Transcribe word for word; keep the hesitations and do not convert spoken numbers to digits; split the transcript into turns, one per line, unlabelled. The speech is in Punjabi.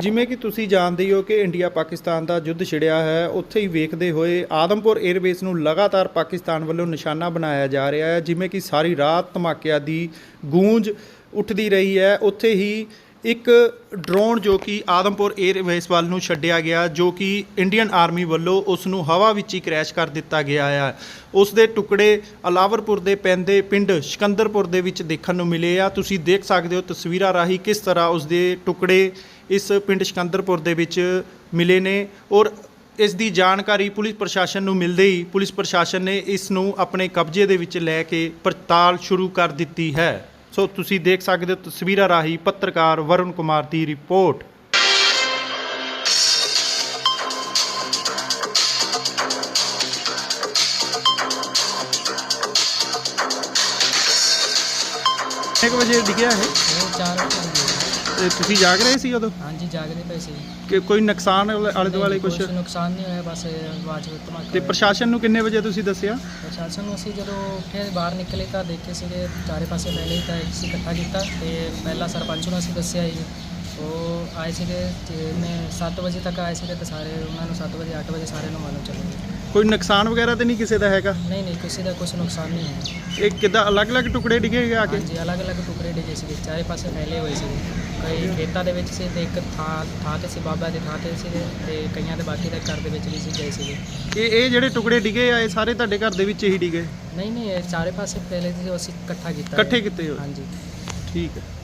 ਜਿਵੇਂ ਕਿ ਤੁਸੀਂ ਜਾਣਦੇ ਹੋ ਕਿ ਇੰਡੀਆ ਪਾਕਿਸਤਾਨ ਦਾ ਯੁੱਧ ਛਿੜਿਆ ਹੈ, ਉੱਥੇ ਹੀ ਵੇਖਦੇ ਹੋਏ ਆਦਮਪੁਰ 에ਅਰਬੇਸ ਨੂੰ ਲਗਾਤਾਰ ਪਾਕਿਸਤਾਨ ਵੱਲੋਂ ਨਿਸ਼ਾਨਾ ਬਣਾਇਆ ਜਾ ਰਿਹਾ ਹੈ। ਜਿਵੇਂ ਕਿ ਸਾਰੀ ਰਾਤ ਧਮਾਕਿਆਂ ਦੀ ਗੂੰਜ ਉੱਠਦੀ ਰਹੀ ਹੈ, ਉੱਥੇ ਹੀ ਇੱਕ ਡਰੋਨ ਜੋ ਕਿ ਆਦਮਪੁਰ 에ਅਰਬੇਸ ਵੱਲ ਨੂੰ ਛੱਡਿਆ ਗਿਆ, ਜੋ ਕਿ ਇੰਡੀਅਨ ਆਰਮੀ ਵੱਲੋਂ ਉਸ ਨੂੰ ਹਵਾ ਵਿੱਚ ਹੀ ਕ੍ਰੈਸ਼ ਕਰ ਦਿੱਤਾ ਗਿਆ ਹੈ। ਉਸ ਦੇ ਟੁਕੜੇ ਅਲਾਵਰਪੁਰ ਦੇ ਪੈਂਦੇ ਪਿੰਡ ਸਿਕੰਦਰਪੁਰ ਦੇ ਵਿੱਚ ਦੇਖਣ ਨੂੰ ਮਿਲੇ ਆ। ਤੁਸੀਂ ਦੇਖ ਸਕਦੇ ਹੋ ਤਸਵੀਰਾਂ ਰਾਹੀਂ ਕਿਸ ਤਰ੍ਹਾਂ ਉਸ ਦੇ ਟੁਕੜੇ ਇਸ ਪਿੰਡ ਸਿਕੰਦਰਪੁਰ ਦੇ ਵਿੱਚ ਮਿਲੇ ਨੇ ਔਰ ਇਸ ਦੀ ਜਾਣਕਾਰੀ ਪੁਲਿਸ ਪ੍ਰਸ਼ਾਸਨ ਨੂੰ ਮਿਲਦੇ ਹੀ ਪੁਲਿਸ ਪ੍ਰਸ਼ਾਸਨ ਨੇ ਇਸ ਨੂੰ ਆਪਣੇ ਕਬਜ਼ੇ ਦੇ ਵਿੱਚ ਲੈ ਕੇ ਪੜਤਾਲ ਸ਼ੁਰੂ ਕਰ ਦਿੱਤੀ ਹੈ। ਸੋ ਤੁਸੀਂ ਦੇਖ ਸਕਦੇ ਹੋ ਤਸਵੀਰਾਂ ਰਾਹੀਂ ਪੱਤਰਕਾਰ ਵਰੁਣ ਕੁਮਾਰ ਦੀ ਰਿਪੋਰਟ। ਇੱਕ ਵਜੇ ਡਿੱਗਿਆ ਹੈ
ਚਾਰ
ਤੇ ਤੁਸੀਂ ਜਾਗ ਰਹੇ ਸੀ ਉਦੋਂ?
ਹਾਂਜੀ ਜਾਗਦੇ ਪਏ ਸੀ
ਕਿ ਕੋਈ ਨੁਕਸਾਨ ਆਲੇ ਦੁਆਲੇ ਕੁਝ?
ਕੁਛ ਨੁਕਸਾਨ ਨਹੀਂ ਹੋਇਆ, ਬਸ ਆਵਾਜ਼ ਧਮਾਕਾ
ਤੇ
ਹੋਇਆ।
ਪ੍ਰਸ਼ਾਸਨ ਨੂੰ ਕਿੰਨੇ ਵਜੇ ਤੁਸੀਂ ਦੱਸਿਆ?
ਪ੍ਰਸ਼ਾਸਨ ਨੂੰ ਅਸੀਂ ਜਦੋਂ ਉੱਠੇ ਬਾਹਰ ਨਿਕਲੇ ਤਾਂ ਦੇਖੇ ਸੀਗੇ ਚਾਰੇ ਪਾਸੇ ਪਹਿਲੇ ਹੀ ਤਾਂ ਅਸੀਂ ਇਕੱਠਾ ਕੀਤਾ ਤੇ ਪਹਿਲਾਂ ਸਰਪੰਚ ਨੂੰ ਅਸੀਂ ਦੱਸਿਆ ਜੀ, ਉਹ ਆਏ ਸੀਗੇ ਤੇ ਮੈਂ ਸੱਤ ਵਜੇ ਤੱਕ ਆਏ ਸੀਗੇ ਤੇ ਸਾਰੇ ਉਹਨਾਂ ਨੂੰ ਸੱਤ ਵਜੇ ਅੱਠ ਵਜੇ ਸਾਰਿਆਂ ਨੂੰ ਮਾਲੂਮ ਚੱਲ ਗਿਆ।
ਕੋਈ ਨੁਕਸਾਨ ਵਗੈਰਾ ਤਾਂ ਨਹੀਂ ਕਿਸੇ ਦਾ ਹੈਗਾ?
ਨਹੀਂ ਨਹੀਂ ਕਿਸੇ ਦਾ ਕੁਝ ਨੁਕਸਾਨ ਨਹੀਂ ਹੈ।
ਇਹ ਕਿੱਦਾਂ ਅਲੱਗ-ਅਲੱਗ ਟੁਕੜੇ ਡਿੱਗੇ ਆ ਕੇ?
ਹਾਂਜੀ ਅਲੱਗ-ਅਲੱਗ ਟੁਕੜੇ ਡਿੱਗੇ ਸੀਗੇ, ਚਾਰੇ ਪਾਸੇ ਫੈਲੇ ਹੋਏ ਸੀਗੇ। ਕਈ ਖੇਤਾਂ ਦੇ ਵਿੱਚ ਸੀ ਤੇ ਇੱਕ ਥਾਂ ਥਾਂ ਤੇ ਸੀ ਬਾਬਾ ਦੀ ਥਾਂ ਤੇ ਸੀਗੇ ਤੇ ਕਈਆਂ ਦੇ ਬਾਕੀ ਦੇ ਘਰ ਦੇ ਵਿੱਚ ਵੀ ਸੀ ਗਏ ਸੀਗੇ।
ਇਹ ਇਹ ਜਿਹੜੇ ਟੁਕੜੇ ਡਿੱਗੇ ਆ ਇਹ ਸਾਰੇ ਤੁਹਾਡੇ ਘਰ ਦੇ ਵਿੱਚ ਹੀ ਡਿੱਗੇ?
ਨਹੀਂ ਨਹੀਂ ਇਹ ਚਾਰੇ ਪਾਸੇ ਫੈਲੇ ਸੀ, ਅਸੀਂ ਇਕੱਠਾ ਕੀਤਾ।
ਇਕੱਠੇ ਕੀਤੇ ਹੋ?
ਹਾਂਜੀ
ਠੀਕ ਹੈ।